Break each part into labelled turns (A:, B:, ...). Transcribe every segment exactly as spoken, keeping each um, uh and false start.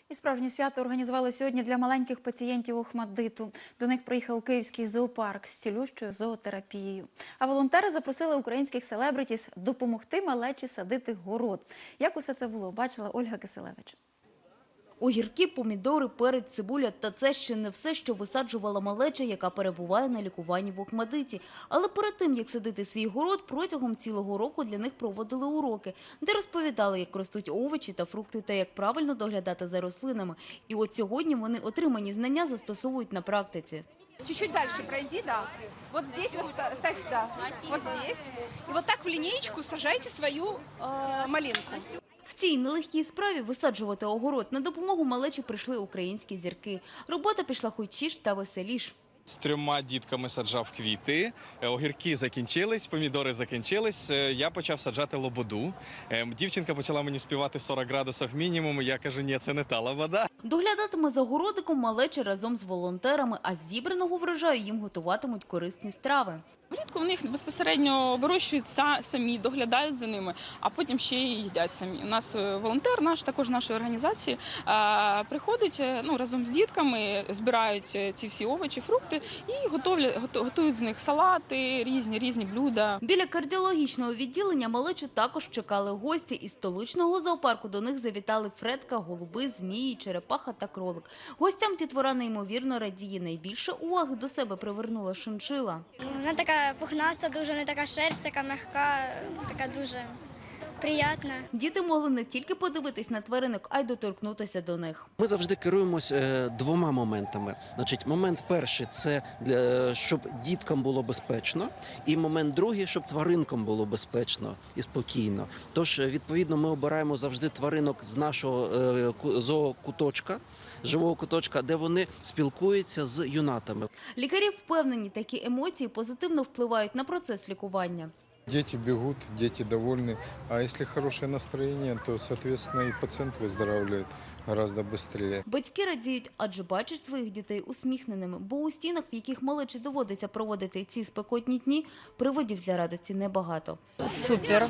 A: І справжнє свято організували сьогодні для маленьких пацієнтів ОХМАТДИТу. До них приїхав Київський зоопарк з цілющою зоотерапією. А волонтери запросили українських селебритіс допомогти малечі садити город. Як усе це було, бачила Ольга Киселевич.
B: Огірки, помідори, перець, цибуля – та це ще не все, що висаджувала малеча, яка перебуває на лікуванні в ОХМАТДИТі. Але перед тим, як садити свій город, протягом цілого року для них проводили уроки, де розповідали, як ростуть овочі та фрукти та як правильно доглядати за рослинами. І от сьогодні вони отримані знання застосовують на практиці.
C: Чуть-чуть дальше пройди, да. Вот здесь вот ставь, да. Вот здесь. И вот так в линеечку сажайте свою э, малинку.
B: В цій нелегкій справі висаджувати огород на допомогу малечі прийшли українські зірки. Робота пішла хочіш та веселіш.
D: З трьома дітками саджав квіти, огірки закінчились, помідори закінчились, я почав саджати лободу. Дівчинка почала мені співати сорок градусів мінімум, я кажу, ні, це не та лобода.
B: Доглядатиме за городиком малеча разом з волонтерами, а з зібраного врожаю їм готуватимуть корисні страви.
E: Влітку в них безпосередньо вирощують самі, доглядають за ними, а потім ще й їдять самі. У нас волонтер наш, також нашої організації, приходить ну, разом з дітками, збирають ці всі овочі, фрукти і готовлять, готують з них салати, різні, різні блюда.
B: Біля кардіологічного відділення малечу також чекали гості. Із столичного зоопарку до них завітали фредка, голуби, змії, черепаха та кролик. Гостям дітвора неймовірно радіє. Найбільше уваги до себе привернула шиншила.
F: Вона така пухнаста, дуже не така шерсть, така м'яка, така дуже приємна.
B: Діти могли не тільки подивитись на тваринок, а й доторкнутися до них.
G: Ми завжди керуємось двома моментами. Значить, момент перший – це для, щоб діткам було безпечно, і момент другий – щоб тваринкам було безпечно і спокійно. Тож, відповідно, ми обираємо завжди тваринок з нашого зоокуточка, живого куточка, де вони спілкуються з юнатами.
B: Лікарі впевнені, такі емоції позитивно впливають на процес лікування.
H: Дети бегут, дети довольны. А если хорошее настроение, то, соответственно, и пациент выздоравливает гораздо быстрее.
B: Батьки радіють, адже бачать своїх дітей усміхненими, бо у стінах, в яких малечі доводиться проводити ці спекотні дні, приводів для радості небагато.
I: Супер.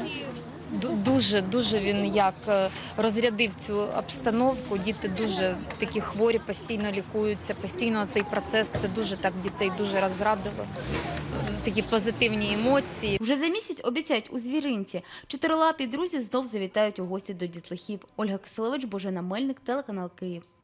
I: Дуже, дуже він як розрядив цю обстановку. Діти дуже такі хворі, постійно лікуються, постійно цей процес, це дуже так дітей дуже розрадило. Такі позитивні емоції.
B: Вже за місяць обіцяють у звіринці. Чотирилапі друзі знов завітають у гості до дітлахів. Ольга Киселевич, Божена Мельник, телеканал Київ.